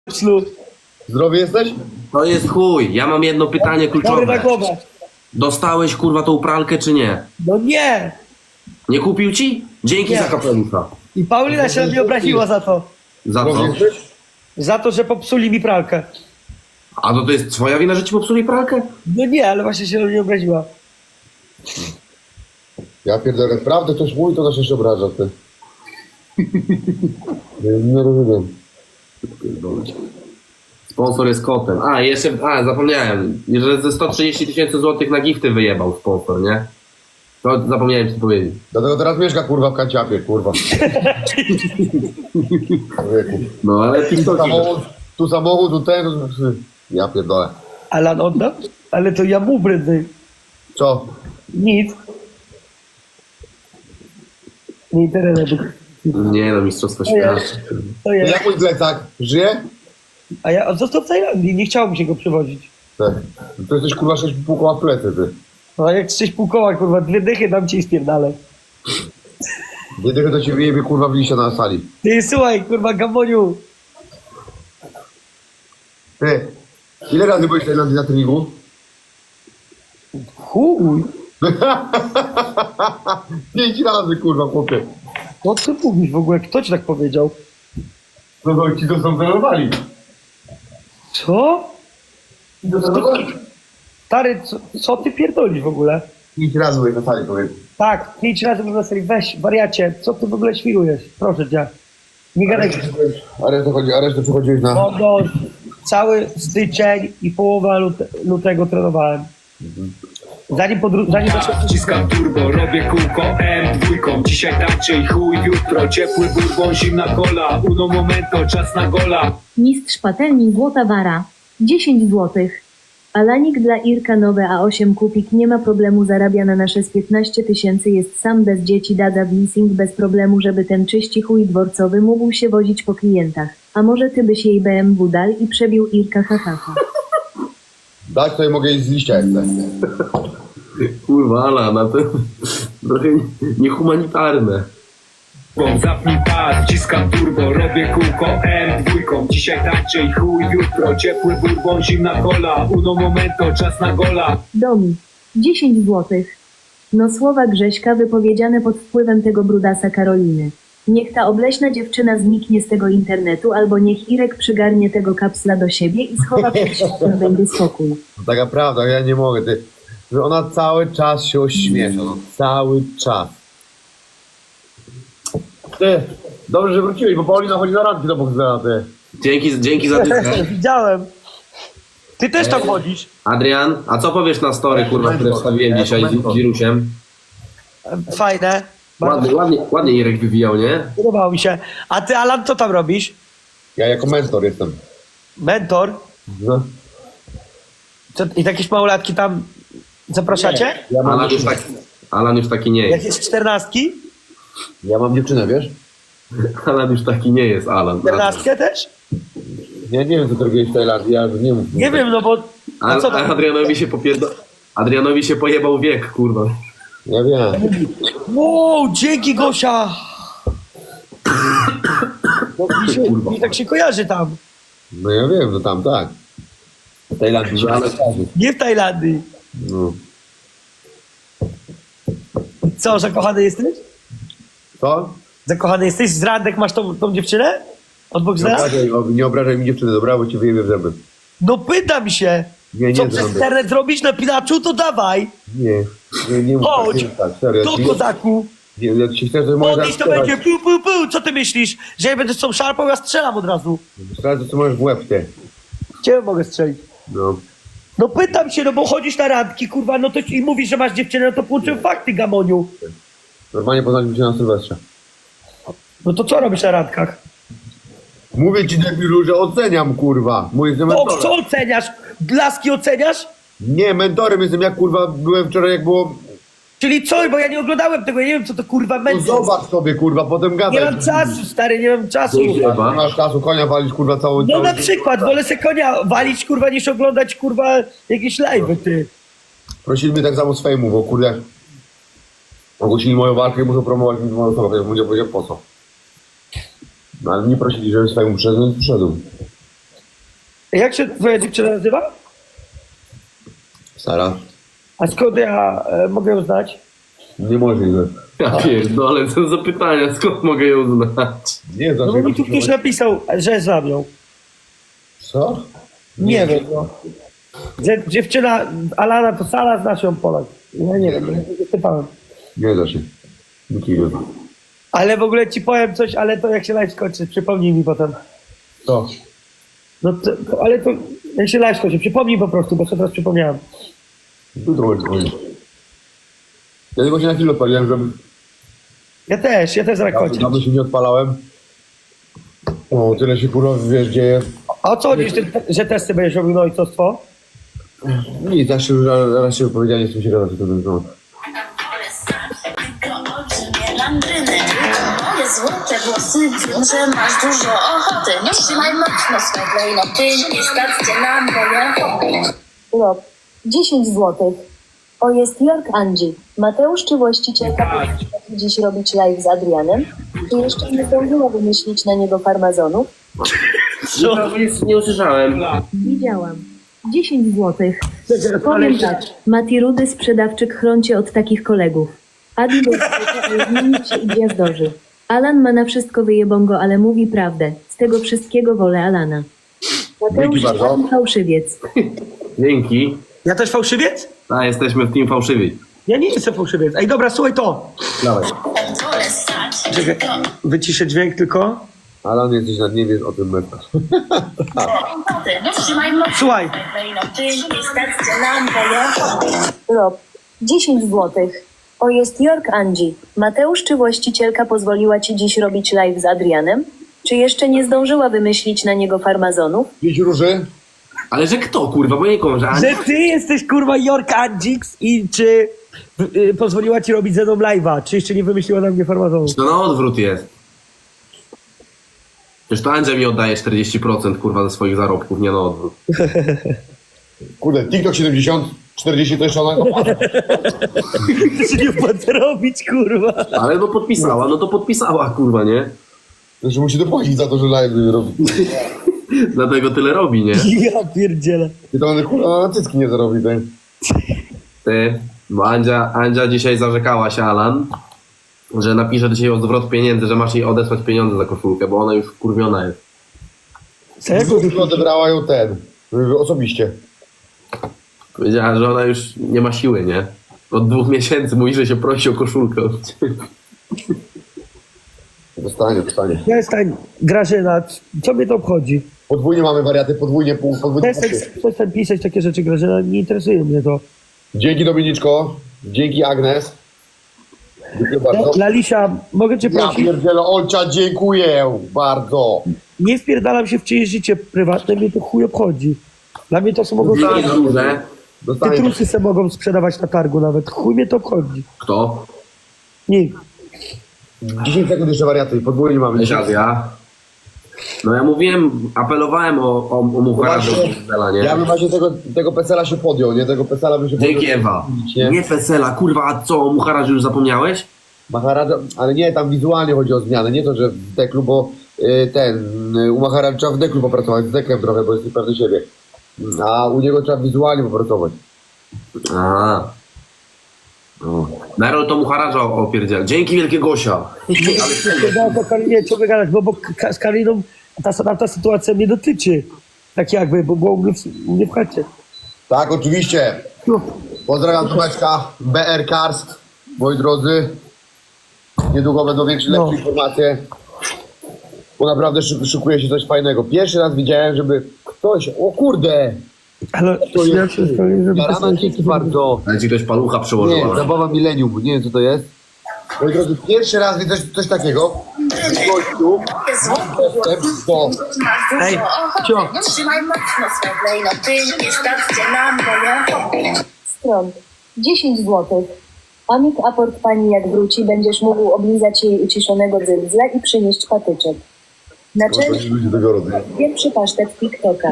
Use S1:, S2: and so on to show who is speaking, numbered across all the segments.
S1: Ślub.
S2: Zdrowy jesteś?
S3: To jest chuj. Ja mam jedno pytanie
S1: Dobry na
S3: kluczowe.
S1: głowę.
S3: Dostałeś kurwa tą pralkę czy nie?
S1: No nie.
S3: Nie kupił ci? Dzięki
S1: Nie.
S3: za kapelusza.
S1: I Paulina się na mnie obraziła za to.
S3: Za
S2: Zdrowy
S3: co?
S2: jesteś?
S1: Za to, że popsuli mi pralkę.
S3: A to jest twoja wina, że ci popsuli pralkę?
S1: No nie, ale właśnie się na mnie obraziła.
S2: Ja pierdolę, prawdę ktoś mówi, to nas jeszcze obraża, ty. Nie rozumiem.
S3: Sponsor jest kotem. A, jeszcze, zapomniałem. Że ze 130 000 złotych na gifty wyjebał sponsor, nie? To zapomniałem ci powiedzieć.
S2: Dlatego teraz mieszka, kurwa, w kanciapie, kurwa. Człowieku.
S3: No ale TikToki.
S2: Tu samochód, tu ten... Ja pierdolę.
S1: Alan odda? Ale to ja mu brydny.
S2: Co?
S1: Nic. Nie interesuje.
S3: Nie no, mistrzostwo
S1: To jest.
S3: świata.
S1: To jest.
S2: Jak mój plecak? Żyje?
S1: A ja został w Tajlandii, nie chciało mi się go przywozić.
S2: Tak. To jesteś, kurwa, 6,5 koła w plecy, ty.
S1: No a jak 6,5 koła, kurwa, 2 dychy dam ci i spierdalę.
S2: Jedynie to ci wyjebie, kurwa, w liście na sali.
S1: Ty, słuchaj, kurwa, Gamoniu.
S2: Ty, ile razy byłeś w Tajlandii na treningu?
S1: Chuj.
S2: 5 razy, kurwa, chłopie.
S1: No co ty mówisz w ogóle? Kto ci tak powiedział?
S2: No to ci to są trenowali.
S1: Co? Stary, co ty pierdolisz w ogóle?
S2: 5 razy byłeś na sali, powiem.
S1: Tak, 5 razy bym na serii. Weź, wariacie, co ty w ogóle świrujesz? Proszę cię. Nie gadaj.
S2: A resztę przychodziłeś na...
S1: No, cały styczeń i połowa lutego trenowałem. Zanim zacząłem...
S4: Wciskam turbo, robię kółko M2. Dzisiaj tarczy i chuj, jutro ciepły bourbon, zimna cola. Uno momento, czas na gola.
S5: Mistrz patelni Złota Wara. 10 złotych. Alanik dla Irka nowe A8 kupik nie ma problemu, zarabia na nasze z 15 000, jest sam bez dzieci, dada w leasing bez problemu, żeby ten czyści chuj dworcowy mógł się wozić po klientach. A może ty byś jej BMW dal i przebił Irka hahaha.
S2: Dać to mogę iść z liścia jeszcze.
S3: Kurwa, ale na to trochę niehumanitarne.
S4: Zapnij pas, wciskam turbo, robię kółko M2. Dzisiaj tarczy i chuj, jutro ciepły bourbon, zimna cola. Uno momento, czas na gola.
S5: Domi. 10 złotych. No słowa Grześka wypowiedziane pod wpływem tego brudasa Karoliny. Niech ta obleśna dziewczyna zniknie z tego internetu, albo niech Irek przygarnie tego kapsla do siebie i schowa przed światem, będzie spokój.
S2: Taka prawda, ja nie mogę, ty. Że ona cały czas się ośmiesza, no cały czas. Ty, dobrze, że wróciłeś, bo Paulina chodzi na randki do boksera, ty.
S3: Dzięki za dychę.
S1: Widziałem. Ty też tam chodzisz.
S3: Adrian, a co powiesz na story, kurwa, które wstawiłem dzisiaj z wirusiem?
S1: Fajne. Bardzo
S3: Ładnie Irek wywijał, nie?
S1: podobało mi się. A ty, Alan, co tam robisz?
S2: Ja jako mentor jestem.
S1: Mentor?
S2: No.
S1: Co, i jakieś małolatki tam zapraszacie?
S3: Alan już taki nie
S1: Jak
S3: jest.
S1: jest 14?
S2: Ja mam dziewczynę, wiesz?
S3: Alan już taki nie jest, Alan.
S1: 14 też?
S2: Ja nie wiem, co ty robiłeś w Tajlandii, ja nie mów.
S1: Nie wiem, no bo... A co tam?
S3: Adrianowi się pojebał wiek, kurwa.
S2: Ja wiem.
S1: Wow, dzięki Gosia! No, mi tak się kojarzy tam.
S2: No ja wiem, no tam tak. W Tajlandii, że ale
S1: Nie w Tajlandii.
S2: no.
S1: Co, zakochany jesteś?
S2: Co?
S1: Zakochany jesteś? Z randek masz tą dziewczynę? Od
S2: Nie
S1: Boxera?
S2: nie obrażaj mi dziewczyny, dobra, bo ci wyjebie w zęby.
S1: No pytam się.
S2: Nie,
S1: Co
S2: nie
S1: przez
S2: zrobię.
S1: internet zrobisz na Pilaczu, to dawaj.
S2: Nie mów tak,
S1: Chodź.
S2: nie mów tak, serio.
S1: Do kozaku.
S2: Ja ci chcę, że możesz
S1: Podejść to będzie pu, pu, pu. Co ty myślisz? Że ja będę z tą szarpą, ja strzelam od razu.
S2: Sprawdź, co możesz w łeb, ty.
S1: Ciebie mogę strzelić.
S2: No.
S1: No pytam się, no bo chodzisz na randki, kurwa, no to i mówisz, że masz dziewczynę, no to połączyłem fakty, Gamoniu.
S2: Normalnie poznaliśmy się na Sylwestrze.
S1: No to co robisz na randkach?
S2: Mówię ci, debilu, że oceniam, kurwa. Mój jestem
S1: O,
S2: mentorem.
S1: co oceniasz? Blaski oceniasz?
S2: Nie, mentorem jestem, jak kurwa byłem wczoraj, jak było...
S1: Czyli co? Bo ja nie oglądałem tego, ja nie wiem, co to kurwa
S2: No
S1: męczy.
S2: zobacz sobie, kurwa, potem gadaj.
S1: Nie mam czasu, stary, nie mam czasu.
S2: Nie masz czasu, konia walisz, kurwa, całą...
S1: No na przykład, wolę se konia walić, kurwa, niż oglądać, kurwa, jakieś live'y, ty.
S2: Prosili mnie tak samo z fejmu, bo kurde... Ogłosili moją walkę i muszą promować mi moją osobę, więc mu nie powiedział po co. No ale nie prosili, żebym z fejmu przyszedł, więc przyszedłem.
S1: Jak się twoja dziewczyna nazywa?
S2: Sara?
S1: A skąd ja mogę ją znać?
S2: Niemożliwe.
S3: Ja pierdolę, co za pytania, skąd mogę ją znać?
S2: Nie,
S1: No bo mi tu ktoś napisał, że znam ją.
S2: Co?
S1: Nie wiem, no. Że dziewczyna Alana to Sala, znasz ją Polak. Ja nie wiem, nie pytałem.
S2: Nie da się. Nikt nie zna.
S1: Ale w ogóle ci powiem coś, ale to jak się live skończy, przypomnij mi potem.
S2: Co?
S1: No to, ale to jak się live skończy, przypomnij po prostu, bo sobie teraz przypomniałem.
S2: Jutro będzie dzwonić. Ja tylko się na chwilę odpaliłem, żeby...
S1: Ja też zaraz kończę.
S2: Dawno się nie odpalałem. O, tyle się kurwa, wiesz, dzieje.
S1: A o co chodzisz, że testy będziesz robił na ojcostwo?
S2: Nic, raz się wypowiedziałem, nie chcę się gadać o tym temat.
S6: Moje złote włosy, wiem, że masz dużo ochoty. Nie trzymaj mocno swe klejnoty, nie stawcie na moje hobby.
S5: Rob, 10 złotych. O, jest York Angie. Mateusz czy właścicielka powinna dziś robić live z Adrianem? Czy jeszcze nie zdążyła wymyślić na niego farmazonów?
S3: Nie usłyszałem.
S5: Widziałam. 10 złotych. Powiem tak. Mati Rudy, sprzedawczyk, chroncie od takich kolegów. Adi do ale zmienić się i gwiazdorzy. Alan ma na wszystko wyjebongo, ale mówi prawdę. Z tego wszystkiego wolę Alana. Mateusz
S2: Dzięki bardzo.
S5: Adi fałszywiec.
S3: Dzięki.
S1: Ja też fałszywiec?
S3: A, jesteśmy w team fałszywi.
S1: Ja nie jestem fałszywiec. Ej, dobra, słuchaj to.
S3: Dawaj.
S6: Wolę stać,
S1: Czekaj, wyciszę dźwięk tylko.
S2: Alan, jesteś na dnie, wiesz o tym meta.
S6: ochoty. Nie trzymaj mocno
S1: Słuchaj.
S6: swe klejnoty, nie stawcie na moje hobby.
S5: Rob, 10 złotych. O, jest York Angie. Mateusz czy właścicielka pozwoliła ci dziś robić live z Adrianem? Czy jeszcze nie zdążyła wymyślić na niego farmazonów?
S2: 5 róży?
S3: Ale że kto, kurwa, bo nie że
S1: Że ty jesteś kurwa York Andix i czy pozwoliła ci robić ze mną live'a, czy jeszcze nie wymyśliła na mnie farmazonu?
S3: To na odwrót jest. Przecież to Andrzej mi oddaje 40% kurwa ze swoich zarobków, nie na odwrót.
S2: Kurde, TikTok 70, 40 to jeszcze ona...
S1: To się nie opłaca robić, kurwa.
S3: Ale no podpisała, no to podpisała, kurwa, nie?
S2: Znaczy musi dopłacić za to, że live robi.
S3: Dlatego tyle robi, nie?
S1: Ja pierdzielę.
S2: I to on kurwa na cycki nie zarobi, tak?
S3: Ty, bo Andzia dzisiaj zarzekała się, Alan, że napisze do ciebie o zwrot pieniędzy, że masz jej odesłać pieniądze za koszulkę, bo ona już wkurwiona jest.
S1: Czego?
S2: Odebrała ją osobiście.
S3: Powiedziała, że ona już nie ma siły, nie? Od 2 miesięcy mówi, że się prosi o koszulkę.
S2: Dostanie.
S1: Przestań, Grażyna, co mnie to obchodzi?
S2: Podwójnie mamy wariaty, podwójnie.
S1: Przestań pisać takie rzeczy, Grażyna, nie interesuje mnie to.
S2: Dzięki Dominiczko, dzięki Agnes. Dziękuję bardzo.
S1: Lalisia, mogę cię
S2: Ja
S1: prosić?
S2: pierdzielę, Olcia, dziękuję bardzo.
S1: Nie wpierdalam się w czyjeś życie prywatne, mnie to chuj obchodzi. Dla mnie to są mogą...
S3: To jest duże.
S1: Te
S2: Dostanie.
S1: trusy se mogą sprzedawać na targu nawet. Chuj mnie to obchodzi.
S3: Kto?
S1: Nikt.
S2: 10 sekund jeszcze wariaty, podwójnie mamy.
S3: Cześć, Azja. No ja mówiłem, apelowałem o Muchara do
S2: Właśnie,
S3: Pesela, nie?
S2: Ja bym właśnie tego Pesela się podjął, nie? Tego Pesela bym się podjął.
S3: Dzięki, Ewa.
S2: Nie?
S3: Nie Pesela, kurwa, a co, o Mucharażu już zapomniałeś?
S2: Maharadża, ale nie, tam wizualnie chodzi o zmianę, nie to, że w deklu, bo u Maharadża w deklu popracować, z dekiem trochę, bo jest niepewny siebie. A u niego trzeba wizualnie popracować.
S3: Aha. No. Naród to Mucharaża opierdziel. Dzięki, wielkie Gosia.
S1: No, Karinie, co wygadać, bo z Kariną ta sytuacja mnie dotyczy. Tak jakby, bo było u mnie w chacie.
S2: Tak, oczywiście. Pozdrawiam Tomeczka, BR Karst, moi drodzy. Niedługo będą lepsze informacje. Bo naprawdę szykuje się coś fajnego. Pierwszy raz widziałem, żeby ktoś... O kurde!
S1: Ale
S2: To
S1: ja
S2: jest...
S1: się sprawię, żeby
S2: Jarana, dzięki bardzo.
S3: Ale ci ktoś palucha
S2: Nie,
S3: przełożyła.
S2: zabawa milenium, nie wiem co to jest. Moi drodzy, pierwszy raz widzę coś takiego. Gościu, dostęp do...
S1: Ej,
S6: Ochoty.
S1: cio.
S6: Nie trzymaj mocno swe klejnoty, nie stawcie na moje hobby.
S5: Stron. 10 złotych. Amik aport pani jak wróci, będziesz mógł oblizać jej uciszonego dzyndzla i przynieść patyczek. Na cześć
S2: Ludzie tego rodzaju.
S5: pierwszy pasztet TikToka.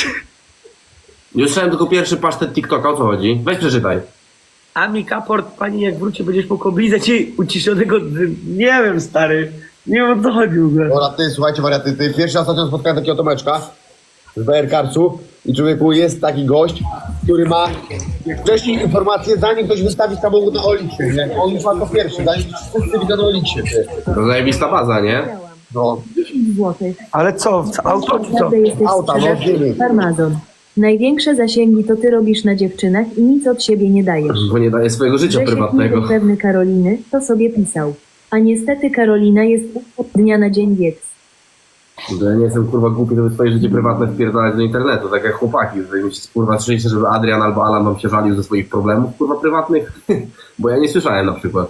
S3: Już słyszałem tylko pierwszy pasztet TikToka, o co chodzi? Weź przeczytaj.
S1: Ami Kaport, pani jak wróci, będziesz mógł oblizać jej uciszonego... Nie wiem, stary. Nie wiem, o co chodzi w ogóle.
S2: Dobra, ty, słuchajcie wariaty, ty pierwszy raz ostatnio spotkałem takiego Tomeczka. z BR Carsu i człowieku jest taki gość, który ma wcześniej informację, zanim ktoś wystawi samochód na Oliksie, nie? On już ma to pierwszy, zanim wszyscy widzą na Oliksie, ty.
S3: To zajebista baza, nie?
S2: No,
S5: 10 złotych.
S1: Ale co, auto czy co?
S5: Naprawdę jesteś
S2: Auta, no,
S5: sprzedawcą. Farmazon. Największe zasięgi to ty robisz na dziewczynach i nic od siebie nie dajesz.
S3: Bo nie daje swojego życia
S5: Grzesiek
S3: prywatnego.
S5: niepewny Karoliny, to sobie pisał. A niestety Karolina jest od dnia na dzień wiec.
S3: Że ja nie jestem kurwa głupi, żeby swoje życie prywatne wpierdalać do internetu, tak jak chłopaki. Jeżeli mi się kurwa słyszeliście, żeby Adrian albo Alan wam się żalił ze swoich problemów kurwa prywatnych, bo ja nie słyszałem na przykład.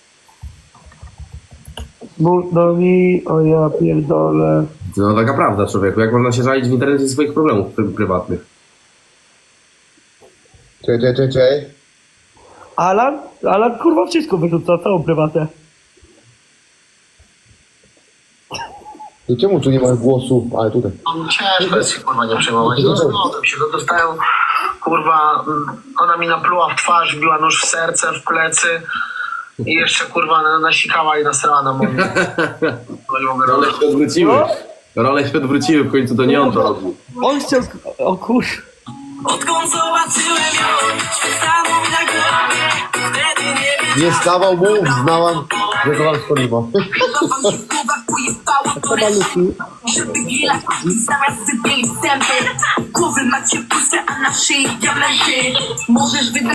S1: No mi, o ja pierdolę.
S3: No taka prawda, człowieku, jak można się żalić w internecie ze swoich problemów prywatnych?
S2: Czekaj.
S1: Alan kurwa wszystko wyrzuca, całą prywatę.
S2: I czemu tu nie ma głosu? Ale tutaj.
S7: Ciężko jest się kurwa nie przejmować. No zgodzę się, no dostałem kurwa, ona mi napluła w twarz, wbiła nóż w serce, w plecy i jeszcze kurwa nasikała i nasrała na moim. No nie mogę
S3: Role
S7: robić.
S3: się odwróciły. Role się odwróciły, w końcu to nie on to robił.
S1: On chciał, o kur...
S8: Odkąd zobaczyłem ją, świat stanął na głowie. Wtedy nie wiedziałem,
S2: Nie stawał mu, znałam, że to wam spoliło.
S8: wam się w głowach pojebało to resztę. Żeby gila, zamiast sypieli zęby. Głowy macie puste, a na szyi diamenty. Możesz wydać